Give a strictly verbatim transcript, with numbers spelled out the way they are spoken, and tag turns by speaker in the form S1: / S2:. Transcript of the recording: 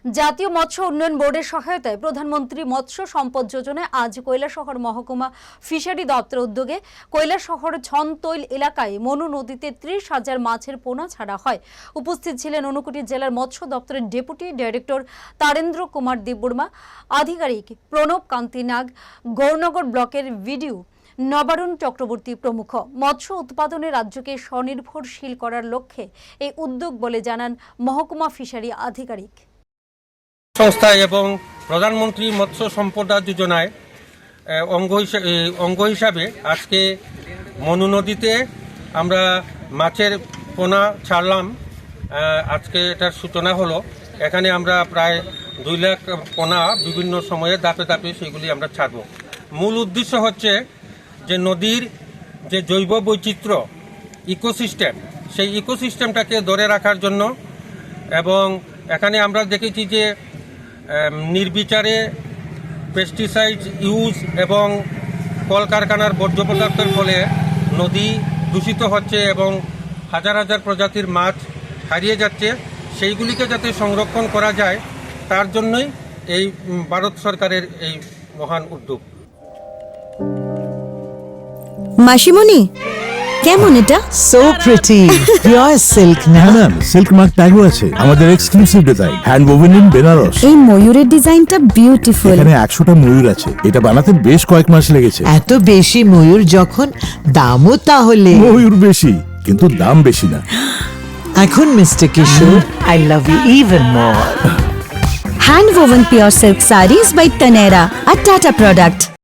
S1: জাতীয় মৎস্য উন্নয়ন বোর্ডের সহায়তায় প্রধানমন্ত্রী মৎস্য সম্পদ যোজনায় আজ কৈলাসহর মহকুমা ফিশারি দপ্তর উদ্যোগে কৈলাসহর ছনতৈল এলাকায় মনু নদীতে ত্রিশ হাজার মাছের পোনা ছাড়া হয়। উপস্থিত ছিলেন ঊনকোটি জেলার মৎস্য দপ্তরের ডেপুটি ডাইরেক্টর তারেন্দ্র কুমার দেববর্মা, আধিকারিক প্রণব কান্তি নাগ, গৌরনগর ব্লকের ভিডিও নবারুণ চক্রবর্তী প্রমুখ। মৎস্য উৎপাদনে রাজ্যকে স্বনির্ভরশীল করার লক্ষ্যে এই উদ্যোগ বলে জানান মহকুমা ফিশারি আধিকারিক।
S2: সংস্থা এবং প্রধানমন্ত্রী মৎস্য সম্পদা যোজনায় অঙ্গ হিসাবে অঙ্গ হিসাবে আজকে মনু নদীতে আমরা মাছের পোনা ছাড়লাম। আজকে এটার সূচনা হলো। এখানে আমরা প্রায় দুই লাখ পোনা বিভিন্ন সময়ে দাপে দাপে সেগুলি আমরা ছাড়ব। মূল উদ্দেশ্য হচ্ছে যে নদীর যে জৈব বৈচিত্র্য ইকোসিস্টেম, সেই ইকোসিস্টেমটাকে ধরে রাখার জন্য। এবং এখানে আমরা দেখেছি যে নির্বিচারে পেস্টিসাইড ইউজ এবং কলকারখানার বর্জ্য পদার্থের ফলে নদী দূষিত হচ্ছে এবং হাজার হাজার প্রজাতির মাছ হারিয়ে যাচ্ছে। সেইগুলিকে যাতে সংরক্ষণ করা যায় তার জন্যই এই ভারত সরকারের এই মহান উদ্যোগ।
S3: মাসিমণি, কেমন এটা?
S4: So pretty, pure silk.
S5: না ম্যাম, সিল্ক মার্ক ট্যাগও আছে। আমাদের exclusive design, hand woven in Benaras.
S3: এই ময়ূরের ডিজাইনটা বিউটিফুল।
S5: এখানে একশোটা ময়ূর আছে। এটা বানাতে বেশ কয়েক মাস লেগেছে।
S4: এত বেশি ময়ূর যখন, দামও তাহলে।
S5: ময়ূর বেশি, কিন্তু দাম বেশি না।
S4: এখন mister Kishore, I love you even more.
S3: Hand woven pure silk sarees by Tanera, a Tata product.